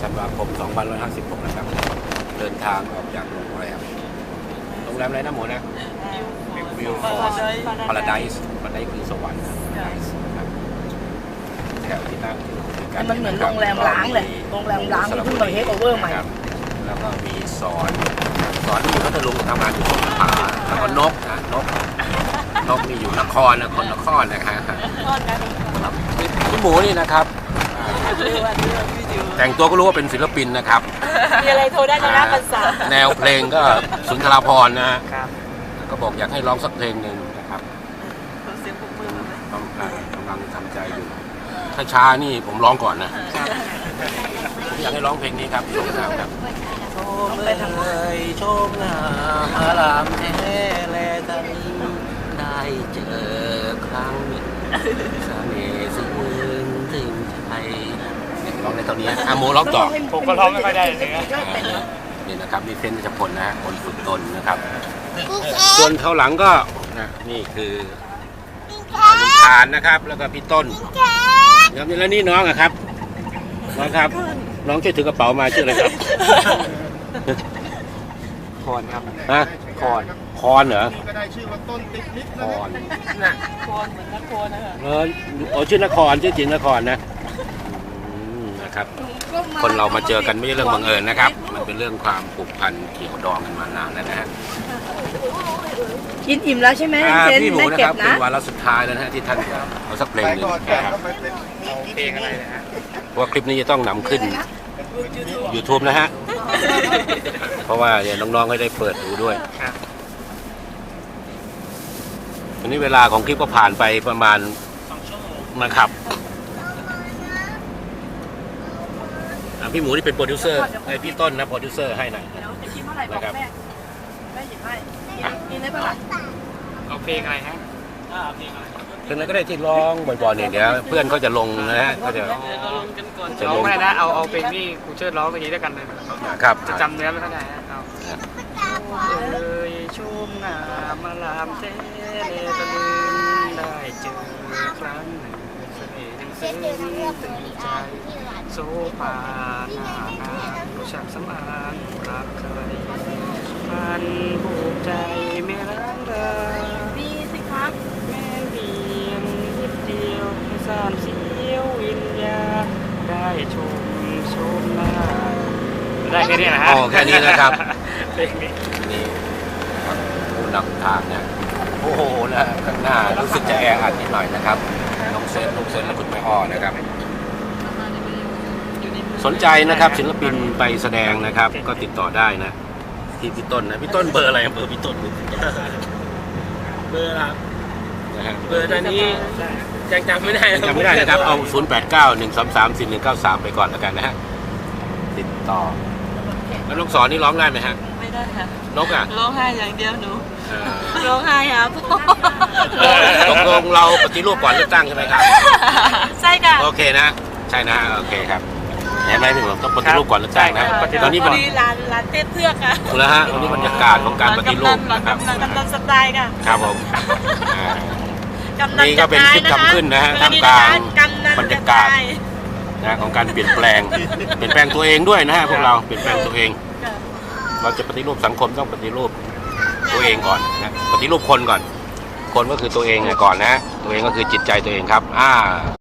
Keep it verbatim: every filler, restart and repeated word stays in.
ธันวาคมสองพันห้าร้อยห้าสิบหกนะครับเดินทางออกจากโรงแรมโรงแรมอะไรนะหมูนะวิวฟอร์พาราไดซ์พาราไดซ์คือสวรรค์นะครับแถวที่นั่งอยู่ด้วยกัมันเหมือนโรงแรมล้างเลยโรงแรมล้างที่เพิ่งมาเทคโอเวอร์ใหม่แล้วก็มีสอนสอนที่อยู่พัทลุงทำงานอยู่สงขลาแล้วก็นกนะนกนกนี่อยู่นครนะคนนครนะฮะพี่หมูนี่นะครับแต่งตัวก็รู้ว่าเป็นศิลปินนะครับมีอะไรโทรได้นะนะภาษาแนวเพลงก็สุนทราภรณ์นะก็บอกอยากให้ร้องสักเพลงหนึ่งนะครับเสียงปรบมือไหมต้องกำลังทำใจอยู่ถ้าช้านี่ผมร้องก่อนนะผมอยากให้ร้องเพลงนี้ครับโชมงามครับโชมเลยโชมงามอารามแท้แลตานีได้เจอครั้งเสน่ห์ซึ้งถึงใจร้องในตอนนี้อาโมร้องต่อผมก็ร้องไม่ค่อยได้เลยนะนี่นะครับนี่เส้นจะพลนะคนฝึกตนนะครับส่วนเขาหลังก็นะนี่คือลุงทานนะครับแล้วก็พี่ต้นครับแล้วนี่น้องอะครับน้องครับน้องช่วยถือกระเป๋ามาชื่ออะไรครับคอนครับฮะคอนคอนเหรอก็ได้ชื่อว่าต้นติ๊กนิดคอนน่ะโคนเหมือนนักโคนนะคะเออโอ้ชื่อนครชื่อจริงนครนะนะครับคนเรามาเจอกันไม่ใช่เรื่องบังเอิญนะครับมันเป็นเรื่องความผูกพันเกี่ยวดองกันมานานแล้วนะฮะกินอิ่มแล้วใช่ไหมพี่หมูนะครับเป็นวาระสุดท้ายแล้วนะฮะที่ท่านเอาสักเพลงหนึ่งนะครับเพลงอะไรนะฮะเพราะว่าคลิปนี้จะต้องนำขึ้น YouTube นะฮะเพราะว่าเดี๋ยวน้องๆให้ได้เปิดดูด้วยวันนี้เวลาของคลิปก็ผ่านไปประมาณนะครับพี่หมูที่เป็นโปรดิวเซอร์ไอพี่ต้นนะโปรดิวเซอร์ให้หน่อยนะครับแม่หยิบให้กินได้ปะล่ะเอาเพลงอะไรฮะอ่าเพลงอะไรเพลงอะไรก็ได้ที่ร้องบ่อยๆเนี่ยเดี๋ยวเพื่อนเขาจะลงนะฮะเขาจะจะลงไม่ได้นะเอาเอาเพลงที่ครูเชิดร้องเมื่อกี้ด้วยกันเลยครับจะจำเนื้อไม่ได้เอาเลยชมงามมาลามเทเลตะลึงได้เจอครั้งหนึ่งเสน่ห์ยังซึ้งตึงใจโซฟาหน้างามรู้จักสำอางรักเคยพันผูกใจไม่ร้างราดีสิครับแม่เพียงนิดเดียวสามเสียววิญญาณได้ชมชมหน้าได้แค่นี้นะฮะอ๋อแค่นี้นะครับเพลงนี้นี่ผู้นำทางเนี่ยโอ้โหนะข้างหน้ารู้สึกจะแออัดนิดหน่อยนะครับน้องเซนน้องเซนและคุณแม่อ้อนะครับสนใจนะครับศิลปินไปแสดงนะครับก็ติดต่อได้นะที่พี่ต้นนะพี่ต้นเบอร์อะไรเบอร์พี่ต้นเบอร์ครับนะฮะเบอร์ตอนนี้ยังจำไม่ได้จำไม่ได้นะครับเอาศูนย์แปดเก้า หนึ่งสามสาม สี่หนึ่งเก้าสามไปก่อนแล้วกันนะฮะติดต่อแล้วนกสอนนี่ร้องได้ไหมฮะไม่ได้ค่ะนกอ่ะร้องไห้อย่างเดียวหนูร้องไห้ครับตกลงเราปฏิรูปก่อนเลือกตั้งใช่ไหมครับใช่ค่ะโอเคนะใช่นะโอเคครับเห็นไหมพี่ผมต้องปฏิรูปก่อนเลือกตั้งนะตอนนี้พอดีร้านร้านเต้เพือกค่ะแล้วฮะวันนี้บรรยากาศของการปฏิรูปนะครับกำนันสไตล์ค่ะครับผมนี่ก็เป็นคลิปทำขึ้นนะฮะท่ามกลางบรรยากาศนะของการเปลี่ยนแปลงเปลี่ยนแปลงตัวเองด้วยนะฮะพวกเราเปลี่ยนแปลงตัวเองเราจะปฏิรูปสังคมต้องปฏิรูปตัวเองก่อนนะปฏิรูปคนก่อนคนก็คือตัวเองก่อนนะตัวเองก็คือจิตใจตัวเองครับอ่า